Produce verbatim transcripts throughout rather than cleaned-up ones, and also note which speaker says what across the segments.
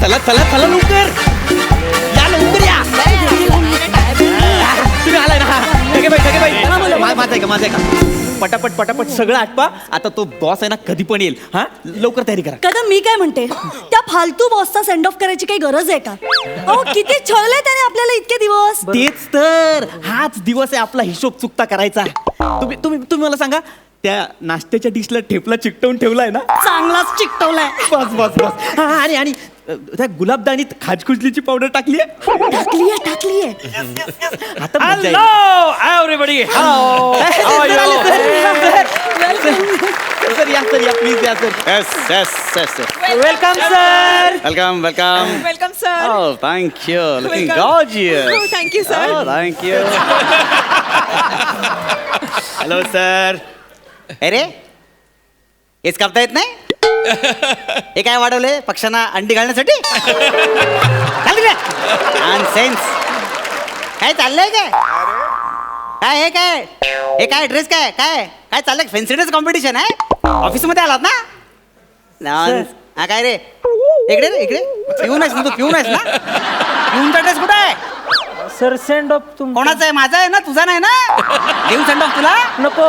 Speaker 1: चला चला चला लवकर या लवकर या तुम्ही आलाय ना ठगे बाई ठगे बाई माझं आहे का माझं आहे का पटापट पटापट सगळं आटपा आता तो बॉस आहे ना कधी पण येईल हा लवकर तयारी करा.
Speaker 2: कदम मी काय म्हणते त्या फालतू बॉसचा सेंड ऑफ करायची काही गरज आहे का? अहो किती छळले त्याने आपल्याला इतके दिवस.
Speaker 1: तेच तर हाच दिवस आहे आपला हिशोब चुकता करायचा. तुम्ही तुम्ही तुम्ही मला सांगा त्या नाश्त्याच्या डिशला ठेपला चिकटवून ठेवलाय ना?
Speaker 2: चांगलाच चिकटवलाय.
Speaker 1: बस बस बस हा आणि आणि त्या गुलाबदानीत खाजकुजलीची पावडर टाकली आहे
Speaker 2: टाकलीये टाकलीये.
Speaker 1: आता मजा येईल.
Speaker 3: Hello, everybody. How are
Speaker 1: sir, आले,
Speaker 3: you?
Speaker 1: सर. सर या सर या प्लीज या sir.
Speaker 3: Yes, yes, yes, yes.
Speaker 1: Welcome sir.
Speaker 3: Welcome, welcome.
Speaker 4: Welcome, sir.
Speaker 3: Oh, thank you. Looking
Speaker 4: Welcome.
Speaker 3: gorgeous.
Speaker 4: Oh, thank you, sir.
Speaker 3: Oh, thank you.
Speaker 1: Hello sir.
Speaker 5: अरे हेच कापता येत नाही. हे काय वाढवले पक्ष्यांना अंडी घालण्यासाठी? सेन्स काय चाललंय काय काय हे काय हे काय ड्रेस काय काय काय चाललंय? फॅन्सी ड्रेस कॉम्पिटिशन आहे ऑफिस मध्ये आलात ना? Nonsense. हा काय रे इकडे रे इकडे पिऊन आहेस ना तू? पिऊन आहेस ना? पिऊनचा ड्रेस कुठे आहे?
Speaker 6: सर सेंड ऑफ तुम
Speaker 5: कोणाचा आहे? माझा आहे ना तुझा नाही ना? देऊ सेंड ऑफ तुला
Speaker 6: नको.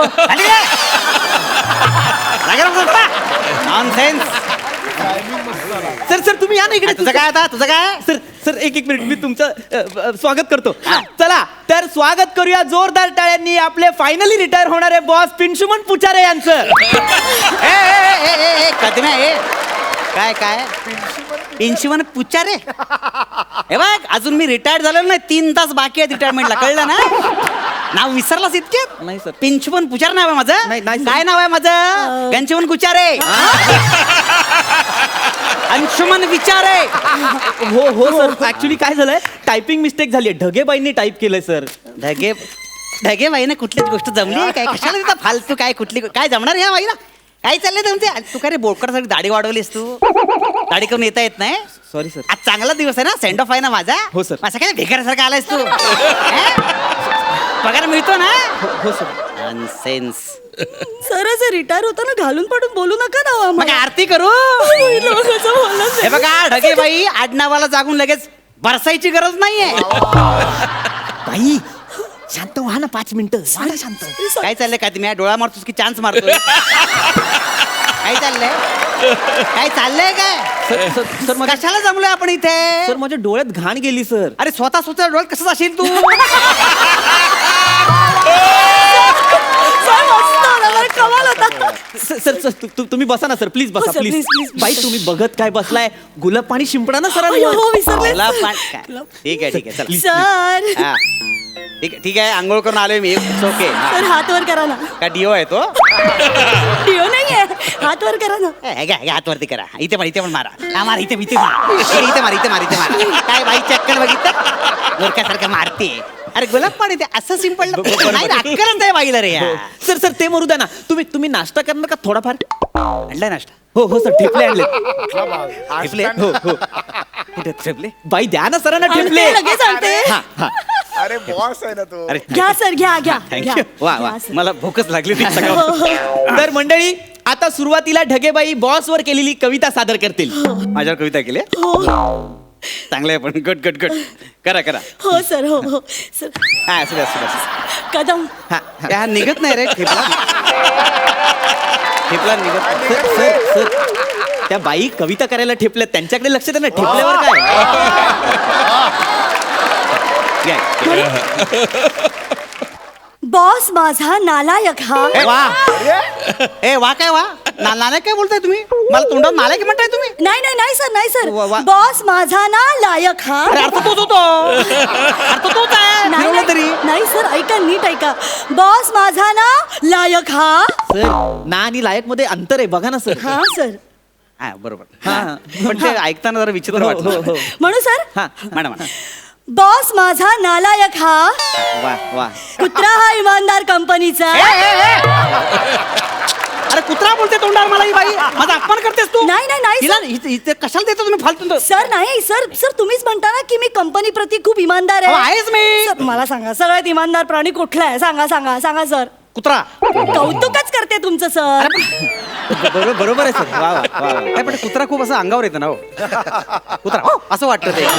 Speaker 5: नॉनसेन्स.
Speaker 1: सर सर तुम्ही या ना इकडे.
Speaker 5: तुझं काय आता तुझं काय?
Speaker 1: सर सर एक एक मिनिट मी तुमचं अ, अ, स्वागत करतो. चला तर स्वागत करूया जोरदार टाळ्यांनी आपले फायनली रिटायर होणारे बॉस पिंशुमन पुचारे यांचं.
Speaker 5: ए, ए, ए, ए, ए, कदम्या, ए. काय काय पिंशीवन पुचारे हे बघ अजून मी रिटायर्ड झालो नाही. तीन तास बाकी आहेत रिटायरमेंटला कळलं ना? नाव विसरलास इतक्यात?
Speaker 1: नाही सर.
Speaker 5: पिंशुमन पुचार नाव आहे माझं.
Speaker 1: नाही, नाही, सर.
Speaker 5: काय नाव आहे माझं? गंचमन कुचारे. अंशुमन विचारे.
Speaker 1: हो हो सर ऍक्च्युली काय झालंय टायपिंग मिस्टेक झाली आहे. ढगेबाईंनी टाईप केलंय सर.
Speaker 5: ढगे ढगे बाईने कुठलीच गोष्ट जमली आहे काय? कशाला तिथं फालतू काय कुठली काय जमणार ह्या बाईला? काय चाललंय तुमचे? तू काय रे बोकडसाठी दाढी वाढवलीस तू? दाढी करून येता येत नाही?
Speaker 1: Sorry sir.
Speaker 5: आज चांगला दिवस आहे ना? सेंड ऑफ आहे ना माझा?
Speaker 1: हो, सर.
Speaker 5: असं काय भिकाऱ्यासारखा आलायस तू? हे? पगार मिळतो ना?
Speaker 1: हो सर.
Speaker 5: नॉनसेन्स.
Speaker 2: सर असे रिटायर होताना घालून पाडून बोलू नका ना
Speaker 5: मग आरती करू. हे बघा ढगे बाई आडनावाला जागून लगेच बरसायची गरज नाहीये.
Speaker 1: बाई शांत व्हा ना पाच मिनिटं. वाढा शांत.
Speaker 5: काय चाललंय का तुम्ही डोळा मारतोस की चान्स मारतोय? काय चाललंय काय चाललंय काय?
Speaker 1: सर सर सर माझ्या
Speaker 5: कशाला जमलोय आपण इथे?
Speaker 1: सर माझ्या डोळ्यात घाण गेली सर.
Speaker 5: अरे स्वतः स्वतः डोळ्यात कसं जाशील तू?
Speaker 2: कमाल होता.
Speaker 1: सर सर सर तु- तु- तुम्ही बसा ना सर प्लीज बसा
Speaker 2: हो, सर,
Speaker 1: प्लीज.
Speaker 2: please, please.
Speaker 1: बाई तुम्ही बघत काय बसलाय? गुलाब पाणी शिंपडा ना सर.
Speaker 2: अय्यो, हो विसरले.
Speaker 5: गुलाब पाणी काय? ठीक आहे ठीक आहे चल.
Speaker 2: सर
Speaker 5: हा. ठीक आहे ठीक आहे आंघोळ करून आलोय मी. ओके
Speaker 2: सर हात वर करा ना.
Speaker 5: का डिओ आहे तो?
Speaker 2: डिओ नाहीये हात वर करा ना.
Speaker 5: ए, घ्या घ्या हातवरती करा. इथे पण इथे पण मारा. हा, मार इथे इथे मार. इथे इथे मार इथे मार इथे मार. काय बाई चक्कर बघितलं मूर्खासारखं मारते. अरे गुलाब पाणी ते असं सिंपल नाही राजकारण आहे बाईला रे. या
Speaker 1: सर सर ते मरू द्या ना. तुम्ही तुम्ही नाश्ता करणार का थोडाफार?
Speaker 5: आणलाय नाश्ता?
Speaker 1: हो हो सर ठेपले आणले.
Speaker 5: ठेपले?
Speaker 1: हो हो
Speaker 5: कुठे ठेपले?
Speaker 1: बाई द्या ना सरांना ठेपले.
Speaker 2: आणते, लगेच आणते.
Speaker 1: हा हा
Speaker 7: अरे बॉस आहे ना तो.
Speaker 5: अरे
Speaker 2: घ्या सर घ्या घ्या
Speaker 5: थँक्यू.
Speaker 2: घ्या.
Speaker 5: वा वा
Speaker 2: घ्या, सर.
Speaker 5: मला भूकच लागली ती
Speaker 2: हो,
Speaker 5: सगळं.
Speaker 2: हो.
Speaker 1: तर मंडळी आता सुरुवातीला ढगेबाई बॉस वर केलेली कविता सादर करतील.
Speaker 5: माझ्यावर कविता केली?
Speaker 2: हो
Speaker 5: चांगलं आहे पण गुड गुड गुड. करा करा.
Speaker 2: हो सर हो हो सर.
Speaker 5: हा असू दे असू दे, असू दे.
Speaker 2: कदम
Speaker 5: हा हा, निघत नाही रे ठेपला. ठेपला निघत नाही.
Speaker 1: सर सर सर त्या बाई कविता करायला ठेपल्या त्यांच्याकडे लक्ष द्या ना. ठेपल्यावर काय?
Speaker 5: घ्या.
Speaker 2: बॉस माझा नालायक हा.
Speaker 5: ए, वा ए वा काय वा ना नालायक काय बोलताय तुम्ही? मला तोंडावर नालायक म्हणताय तुम्ही?
Speaker 2: नाही नाही नाही सर नाही सर
Speaker 5: वा, वा.
Speaker 2: बॉस माझा ना लायक हा.
Speaker 5: अरे अर्थ तोच होतो. अर्थ तोच आहे.
Speaker 2: नाही
Speaker 5: फिरवलं तरी.
Speaker 2: नाही नाही, सर ऐका नीट ऐका. बॉस माझा ना लायक हा.
Speaker 1: सर ना आणि लायक मध्ये अंतर आहे बघा ना सर.
Speaker 2: हा सर
Speaker 5: हा बरोबर.
Speaker 1: हा.
Speaker 5: पण ते ऐकताना जरा विचित्र
Speaker 1: हो, हो,
Speaker 5: वाटलं.
Speaker 1: हो.
Speaker 2: म्हणू सर
Speaker 1: हा
Speaker 5: मॅडम
Speaker 2: बॉस माझा नालायक हा.
Speaker 5: वा वा.
Speaker 2: कुत्रा हा इमानदार कंपनीचा.
Speaker 5: अरे कुत्रा बोलते तोंडावर मला ही बाई. माझा अपमान करतेस तू?
Speaker 2: नाही नाही नाही
Speaker 5: हिला
Speaker 2: सर.
Speaker 5: इथे- इथे कशाला देतो तुम्ही फालतू?
Speaker 2: सर नाही सर सर तुम्हीच म्हणता ना की मी कंपनी प्रती खूप इमानदार
Speaker 5: हो,
Speaker 2: आहे.
Speaker 5: आहेच मी.
Speaker 2: सर मला सांगा सगळ्यात इमानदार प्राणी कुठला आहे? सांगा सांगा सांगा सर.
Speaker 5: कुत्रा
Speaker 2: कौतुकच करते तुमचं सर.
Speaker 3: बरोबर बरोबर आहे सर वा वा वा वा.
Speaker 5: नाही पण कुत्रा खूप असं अंगावर येतं ना हो कुत्रा हो, असं वाटतं ते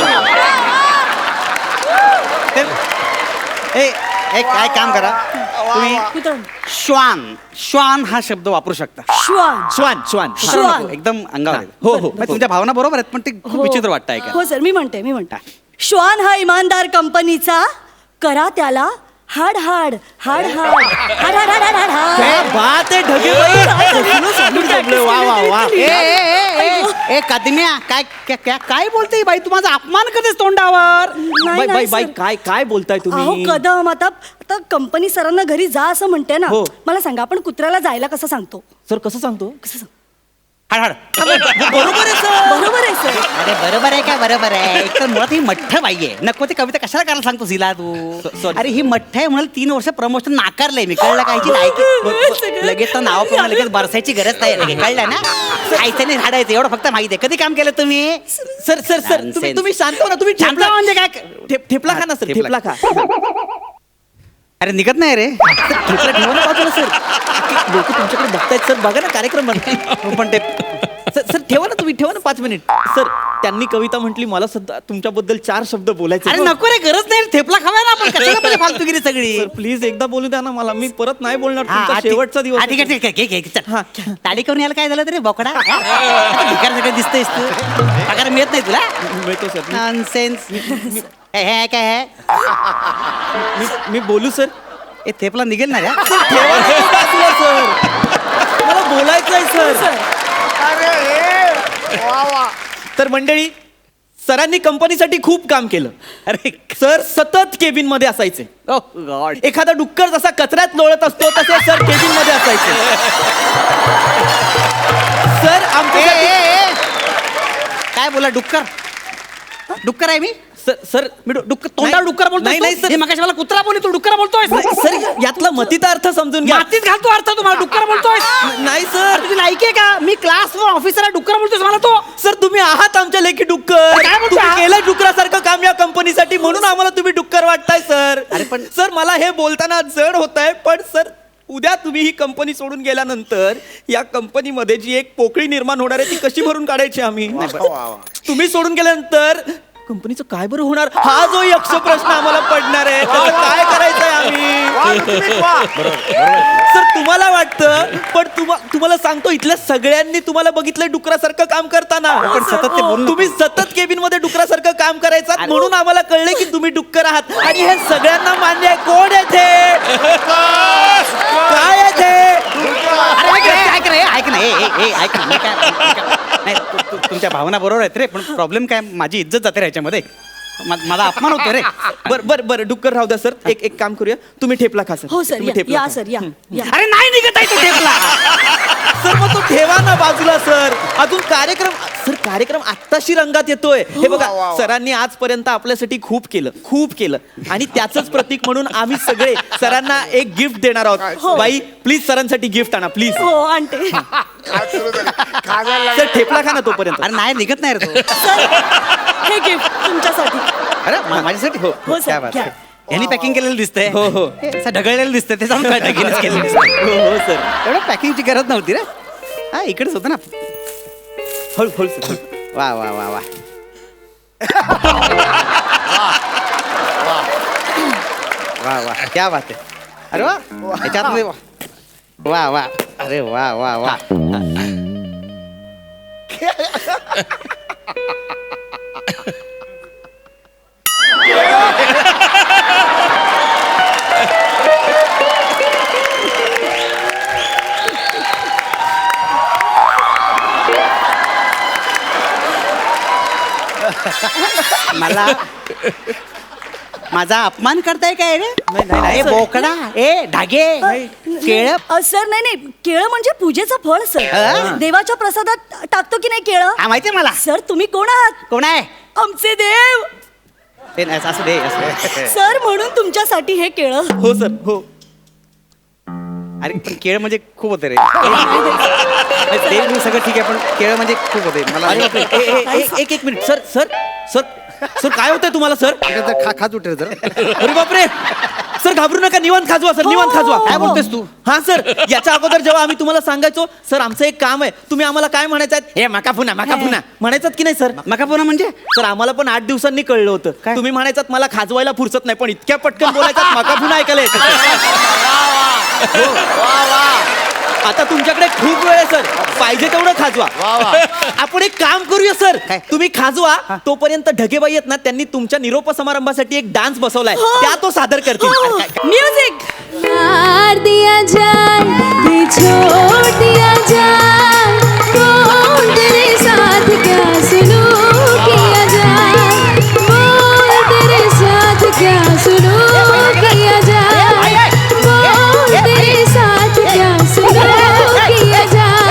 Speaker 5: ते- ए एक काय काम करा तुम्ही
Speaker 2: कुत्रा.
Speaker 5: श्वान श्वान हा शब्द वापरू शकता
Speaker 2: श्वान.
Speaker 1: श्वान श्वान
Speaker 5: कुत्रा
Speaker 2: श्वान.
Speaker 5: नको, एकदम अंगावर येतं.
Speaker 1: हो, हो.
Speaker 5: म्हणजे तुमच्या भावना बरोबर आहेत पण ते खूप
Speaker 2: हो.
Speaker 5: विचित्र वाटतं ऐका
Speaker 2: हो सर मी म्हणते मी म्हणते श्वान हा इमानदार कंपनीचा, करा त्याला हाड हाड हाड हाड हाड हाड हाड हाड हाड
Speaker 1: क्या बात आहे ढगेबाई. कसलं सांगून जमलं. वा वा वा.
Speaker 5: ए ए ए ए ए कादम्या काय काय- काय काय बोलते ही बाई तू माझा अपमान करतेस तोंडावर
Speaker 2: नाही,
Speaker 1: बाई बाई
Speaker 2: नाही,
Speaker 1: बाई
Speaker 2: सर.
Speaker 1: काय काय बोलताय
Speaker 2: अहो
Speaker 1: तुम्ही
Speaker 2: कदम आता आता कंपनी सरांना घरी जा असं म्हणते ना.
Speaker 1: हो.
Speaker 2: मला सांगा आपण कुत्र्याला जायला कसं सांगतो?
Speaker 1: सर कसं सांगतो
Speaker 2: कसं सांग-
Speaker 5: हाड हाड
Speaker 1: बरोबर आहे सर.
Speaker 2: बरोबर आहे सर.
Speaker 5: अरे बरोबर आहे काय बरोबर आहे एक तर मुळात ही मठ्ठ बाई आहे नको ते कविता कशाला करायला सांगतो हिला तू
Speaker 1: sorry.
Speaker 5: अरे ही मठ्ठ आहे म्हणून तीन वर्ष प्रमोशन नाकारलंय मी कळलं काय हिची लायकी लगेच तर नाव पण लगेच बरसायची गरज नाही लगेच कळलं ना खायचं नाही झाडायचं एवढं फक्त माहिती आहे कधी काम केलं तुम्ही
Speaker 1: सर सर सर तुम्ही
Speaker 5: Nonsense.
Speaker 1: तुम्ही शांत हो ना तुम्ही
Speaker 5: शांत
Speaker 1: ठेपला
Speaker 5: म्हणजे काय
Speaker 1: ठेप- ठेपला खा ना सर
Speaker 5: ठेपला.
Speaker 1: ठेपला खा
Speaker 5: अरे निघत नाही रे
Speaker 1: ठेपला ठेवा ना बाजूला सर लोक तुमच्याकडे बघतायत सर बघा ना कार्यक्रम बनताय.
Speaker 5: पण ते
Speaker 1: सर सर ठेवा ना तुम्ही ठेवा ना पाच मिनिट सर त्यांनी कविता म्हटली मला सध्या तुमच्याबद्दल चार शब्द बोलायचे
Speaker 5: अरे नको रे गरज नाही थेपला खावा ना आपण कशाला पाहिजे फालतूगिरी सगळी
Speaker 1: सर प्लीज एकदा बोलू द्या ना मला मी परत नाही बोलणार
Speaker 5: हा,
Speaker 1: तुमचा
Speaker 5: हा, ठीक-
Speaker 1: शेवटचा दिवस
Speaker 5: हा, ठीक आहे
Speaker 1: आहे.
Speaker 5: ठीक आहे घे, घे, घे, चल.
Speaker 1: हा.
Speaker 5: ताडी करून यायला काय झालं तरी बोकडा भिकार सगळं दिसतंयस तू पगार मिळत नाही तुला
Speaker 1: मिळतो सर मी-
Speaker 5: नॉनसेन्स हे हे काय आहे
Speaker 1: मी- मी बोलू सर
Speaker 5: हे थेपला निघेल ना रे
Speaker 1: ठेवा ना तो बाजूला, सर मला बोलायचं आहे सर
Speaker 7: अरे हे वा वा.
Speaker 1: तर मंडळी सरांनी कंपनीसाठी खूप काम केलं.
Speaker 5: अरे
Speaker 1: सर सतत केबिन मध्ये असायचे.
Speaker 5: ओ गॉड
Speaker 1: एखादा डुक्कर जसा कचऱ्यात लोळत असतो तसे सर केबिन मध्ये असायचे. सर आमच्या
Speaker 5: काय बोला डुक्कर डुक्कर आहे मी
Speaker 1: सर सर
Speaker 5: मी डु- डुक्कर तोंडावर डुक्कर बोलतोय
Speaker 1: नाही नाही सर
Speaker 5: मगाशी मला कुत्रा बोलली तू डुक्कर बोलतोय
Speaker 1: नाही, सर यातला मतीचा अर्थ समजून घ्या.
Speaker 5: मातीत घालतो अर्थ तुम्हाला डुक्कर बोलतोय
Speaker 1: नाही सर
Speaker 5: तुझी लायकी आहे का मी क्लास ऑफिसर डुक्कर बोलतोय मला तो
Speaker 1: सर तुम्ही आहात आमच्या लेखी डुक्कर
Speaker 5: काय बोलता?
Speaker 1: तुम्ही केलं डुकरासारखं काम या कंपनीसाठी म्हणून आम्हाला तुम्ही डुक्कर वाटताय सर
Speaker 5: अरे पण-
Speaker 1: सर मला हे बोलताना जड होत आहे पण सर उद्या तुम्ही ही कंपनी सोडून गेल्यानंतर या कंपनीमध्ये जी एक पोकळी निर्माण होणार आहे ती कशी भरून काढायची आम्ही
Speaker 7: वा वा.
Speaker 1: तुम्ही सोडून गेल्यानंतर कंपनीचं काय बरं होणार हा जो यक्ष प्रश्न आम्हाला पडणार आहे त्याचं काय करायचंय आम्ही
Speaker 7: वा, ऋत्विक, वा.
Speaker 1: सर तुम्हाला वाटतं पण तुम्हा- तुम्हाला सांगतो इथल्या सगळ्यांनी तुम्हाला बघितलंय डुकरासारखं काम करताना
Speaker 5: पण सतत ते बोलू नको.
Speaker 1: तुम्ही सतत केबिन मध्ये डुकरासारखं काम करायचं म्हणून आम्हाला कळले की तुम्ही डुक्कर आहात आणि हे सगळ्यांना मान्य आहे. कोण येथे काय येथे
Speaker 5: अरे ऐक रे, ऐक रे ऐक ना ए, ए, ए, ऐक ना मी काय मी काय- नाही तु- तु- तुमच्या भावना बरोबर आहेत रे पण प्रॉब्लेम काय माझी इज्जत जाते रे ह्याच्यामध्ये मा- माझा अपमान होतो रे
Speaker 1: बर बर बर डुक्कर राहू द्या सर एक एक काम करूया तुम्ही ठेपला खा सर
Speaker 2: हो सर
Speaker 1: तुम्ही
Speaker 2: या-
Speaker 1: ठेपला
Speaker 2: या
Speaker 1: खा.
Speaker 2: सर या या.
Speaker 5: अरे नाही निघत आहे तो ठेपला
Speaker 1: सर मग तो ठेवा ना बाजूला सर अजून कार्यक्रम सर कार्यक्रम आत्ताशी रंगात येतोय हे बघा
Speaker 7: वा, वा, वा.
Speaker 1: सरांनी आजपर्यंत आपल्यासाठी खूप केलं खूप केलं आणि त्याचंच प्रतीक म्हणून आम्ही सगळे सरांना एक गिफ्ट देणार आहोत
Speaker 2: हो.
Speaker 1: बाई प्लीज सरांसाठी गिफ्ट आणा प्लीज
Speaker 2: हो आणते
Speaker 7: काय सुरू झालं? खायला लागलं.
Speaker 1: सर ठेपला खा ना तोपर्यंत
Speaker 5: अरे नाही निघत नाही रे तो
Speaker 2: सर हे गिफ्ट तुमच्यासाठी.
Speaker 5: अरे मा- माझ्यासाठी हो
Speaker 2: हो, सर,
Speaker 5: क्या बात
Speaker 2: घ्या.
Speaker 5: आहे. यांनी पॅकिंग केलेलं दिसतंय
Speaker 1: हो, हो.
Speaker 5: हे असं ढगळलेलं दिसतंय ते जाऊन काय ढगेलच केलेलं दिसतंय.
Speaker 1: हो हो सर
Speaker 5: एवढं पॅकिंगची गरज नव्हती रे हा इकडेच होतं ना
Speaker 1: हळू हळू सर
Speaker 5: वा वा वा वा वा वा क्या बात आहे अरे वा ह्याच्यात वा वा अरे वा वा वा मला माझा अपमान करताय काय रे
Speaker 1: नाही, नाही, नाही,
Speaker 5: ए
Speaker 1: सर.
Speaker 5: बोकडा ए ढागे केळ
Speaker 2: अ, सर नाही नाही केळं म्हणजे पूजेचं फळ
Speaker 5: हा?
Speaker 2: सर देवाच्या प्रसादात टाकतो की नाही केळं.
Speaker 5: हा माहितीये मला
Speaker 2: सर तुम्ही कोण आहात?
Speaker 5: कोण आहे
Speaker 2: आमचे देव
Speaker 5: ते नाही, असं दे असं दे.
Speaker 2: सर म्हणून तुमच्यासाठी हे केळं.
Speaker 1: हो सर हो
Speaker 5: अरे पण केळ म्हणजे खूप होते रे ते मी सगळं ठीक आहे पण केळ म्हणजे खूप होते मला
Speaker 1: अरे बापरे. ए- ए- ए- एक एक minute sir sir sir sir काय होतंय तुम्हाला सर
Speaker 3: अगं, जरा खा खात उठे जरा
Speaker 1: अरे बापरे सर घाबरू नका निवांत खाजवा सर निवांत खाजवा
Speaker 2: हो,
Speaker 1: काय
Speaker 2: हो.
Speaker 1: बोलतेस तू हा सर याच्या अगोदर जेव्हा आम्ही तुम्हाला सांगायचो सर आमचं एक काम आहे तुम्ही आम्हाला काय म्हणायचं हे मका पुन्हा मका पुन्हा म्हणायचं की नाही सर
Speaker 5: मका पुन्हा म्हणजे
Speaker 1: सर आम्हाला पण आठ दिवसांनी कळलं होतं तुम्ही म्हणायचात मला खाजवायला फुरसत नाही पण इतक्या पटकन बोलायचात मका पुन्हा ऐकायला येतं आता तुमच्याकडे खूप वेळ आहे सर पाहिजे तेवढं खाजवा आपण एक काम करूया सर तुम्ही खाजवा तोपर्यंत ढगेबाई आहेत ना त्यांनी तुमच्या निरोप समारंभासाठी एक डान्स बसवलाय त्या तो सादर करतील
Speaker 2: म्युझिक
Speaker 4: प्यार दिया जाए ये छोड़ दिया जाए बोल तेरे साथ क्या सुलूक किया जाए बोल तेरे साथ क्या सुलूक किया जाए बोल तेरे साथ क्या सुलूक किया जाए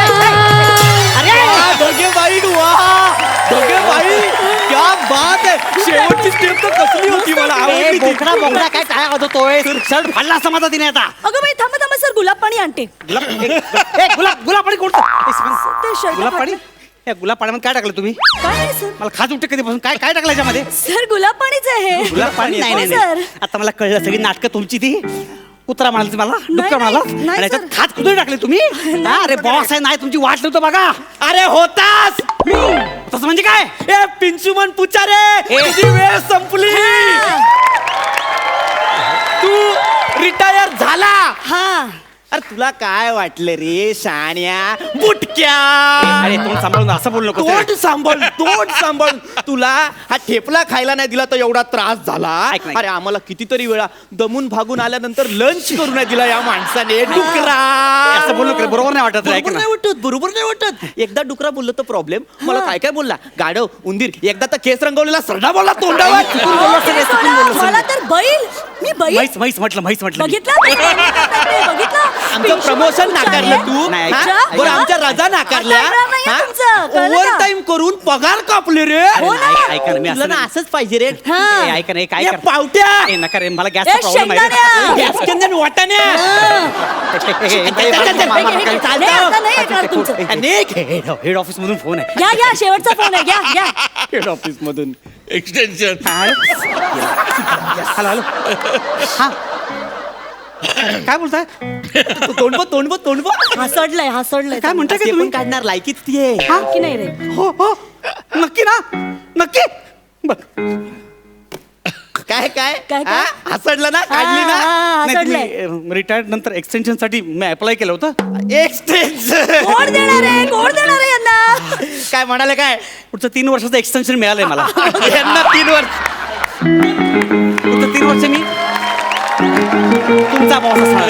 Speaker 1: ढगेबाई ढगेबाई क्या बात आहे शेवटची स्टेप तर कसली होती मला आवडली ती.
Speaker 5: बोकडा बोकडा काय काय होतोय शर्ट फाडला समाजा तिने आता
Speaker 2: अगं बाई थांबा थांबा सर गुलाब पाणी आणते
Speaker 5: गुलाब ए, गुलाब गुलाब पाणी कोणतं
Speaker 2: ते शर्ट
Speaker 5: गुलाब पाणी या गुलाब पाण्यामध्ये काय टाकलं तुम्ही
Speaker 2: काय नाही सर
Speaker 5: मला खाज उठते कधीपासून काय काय टाकलं याच्यामध्ये
Speaker 2: सर गुलाब पाणीच आहे
Speaker 5: गुलाब पाणी नाही
Speaker 2: हो,
Speaker 5: नाही
Speaker 2: सर
Speaker 5: नाही. आता मला कळलं सगळी नाटकं तुमची ती कुत्रा म्हणाल मला डुक्कर
Speaker 2: नाही,
Speaker 5: म्हणाला
Speaker 2: नाही,
Speaker 5: आणि याच्यात
Speaker 2: सर.
Speaker 5: खात कुठे टाकले तुम्ही हा, अरे बॉस आहे नाही तुमची वाट नव्हतं बघा
Speaker 1: अरे होतास
Speaker 5: तसं म्हणजे काय
Speaker 1: ए पिंचुमन पुचारे तुझी वेळ संपली तू रिटायर झाला
Speaker 2: हा
Speaker 1: अरे तुला काय वाटलं रे शाण्या बुटक्या
Speaker 5: अरे तोंड सांभाळून असं बोलू नको
Speaker 1: तोंड सांभाळ तोंड सांभाळ तुला हा ठेपला खायला नाही दिला तर एवढा त्रास झाला
Speaker 5: ऐक ना, ऐक.
Speaker 1: अरे आम्हाला कितीतरी वेळा दमून भागून आल्यानंतर लंच करू नाही दिला या माणसाने डुकरा
Speaker 5: असं बोलू नको रे, बरोबर नाही वाटत रे, ऐक
Speaker 1: बरोबर
Speaker 5: ना.
Speaker 1: नाही वाटत बरोबर नाही वाटत एकदा डुकरा बोललो तर प्रॉब्लेम मला काय काय बोलला गाढव उंदीर एकदा तर केस रंगवलेला सरडा बोलला तोंडावर
Speaker 2: अहो, ते सोडा. मला तर बैल मी बैल
Speaker 5: म्हैस म्हैस म्हटलं म्हैस म्हटलं मी.
Speaker 2: बघितलं बघितलं
Speaker 1: आमचं प्रमोशन नाकारलं तू
Speaker 5: नाही,
Speaker 1: हा?
Speaker 2: ऐका.
Speaker 1: बरं आमच्या रजा नाकारल्या
Speaker 2: आता येणार नाहीये तुमचं, कळलं
Speaker 1: ओव्हर
Speaker 2: का?
Speaker 1: टाइम करून पगार कापले रे
Speaker 2: हो ना.
Speaker 5: ऐक- ऐका ना मी
Speaker 1: तुला
Speaker 5: असं
Speaker 1: ना
Speaker 5: नाही-
Speaker 1: असंच पाहिजे रे
Speaker 2: हा.
Speaker 5: ए, ऐका ना ए, काय
Speaker 1: या
Speaker 5: कर
Speaker 1: पावट्या
Speaker 5: ए, नका रे मला
Speaker 2: ए,
Speaker 5: गॅसचा प्रॉब्लेम आहे
Speaker 2: शेंगदाण्या.
Speaker 5: रे.
Speaker 1: गॅसकंदन वाटाण्या
Speaker 5: ए, ए, ए, बाई, बाई, बाई, बाई, बाई, बाई,
Speaker 1: चालतं.
Speaker 2: नाही, आता नाही येणार तुमचं.
Speaker 1: अनेक
Speaker 5: हेड हेड ऑफिस मधून फोन आहे
Speaker 2: घ्या घ्या शेवटचा फोन आहे घ्या घ्या
Speaker 5: हेड ऑफिस मधून
Speaker 8: एक्सटेन्शन
Speaker 5: हॅलो हॅलो हा काय बोलताय
Speaker 1: तोंडब तोंडब तोंडब
Speaker 2: हसडलंय हसडलंय
Speaker 5: काय म्हणताय
Speaker 1: ते
Speaker 5: काय
Speaker 1: पण
Speaker 5: तुम्ही
Speaker 1: काढणार लायकीच ती आहे
Speaker 5: हा?
Speaker 2: की नाही रे
Speaker 5: हो हो नक्की ना नक्की बर
Speaker 1: काय काय
Speaker 2: काय, काय?
Speaker 1: हा? हसडलं ना काढली
Speaker 2: हा,
Speaker 1: ना
Speaker 2: हा, हसडलंय
Speaker 5: रिटायर्ड नंतर एक्सटेन्शन साठी मी अप्लाय केलं होतं
Speaker 1: एक्सटेन्शन
Speaker 2: कोण देणार आहे कोण देणार आहे यांना
Speaker 1: काय म्हणाले काय
Speaker 5: पुढचं तीन वर्षाचं एक्सटेन्शन मिळालंय मला
Speaker 1: यांना तीन वर्ष
Speaker 5: पुढचं तीन वर्ष मी तुमचा बॉस असणार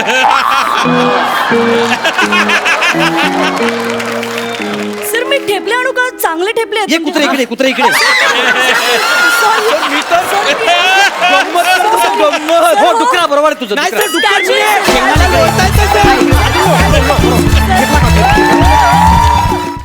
Speaker 2: सर मी ठेपले आणू का चांगले ठेपले आहेत
Speaker 5: ये
Speaker 2: म्हणजे.
Speaker 5: कुत्रे इकडे कुत्रे इकडे
Speaker 2: Sorry.
Speaker 1: मी तर गंमत करतो, गंमत
Speaker 5: हो डुकरा बरोबर आहे तुझं
Speaker 1: नाही
Speaker 5: डुकरा.
Speaker 1: सर डुक्कर
Speaker 2: Statue.
Speaker 1: नाही. शेंगदाणे बोलतायत ते.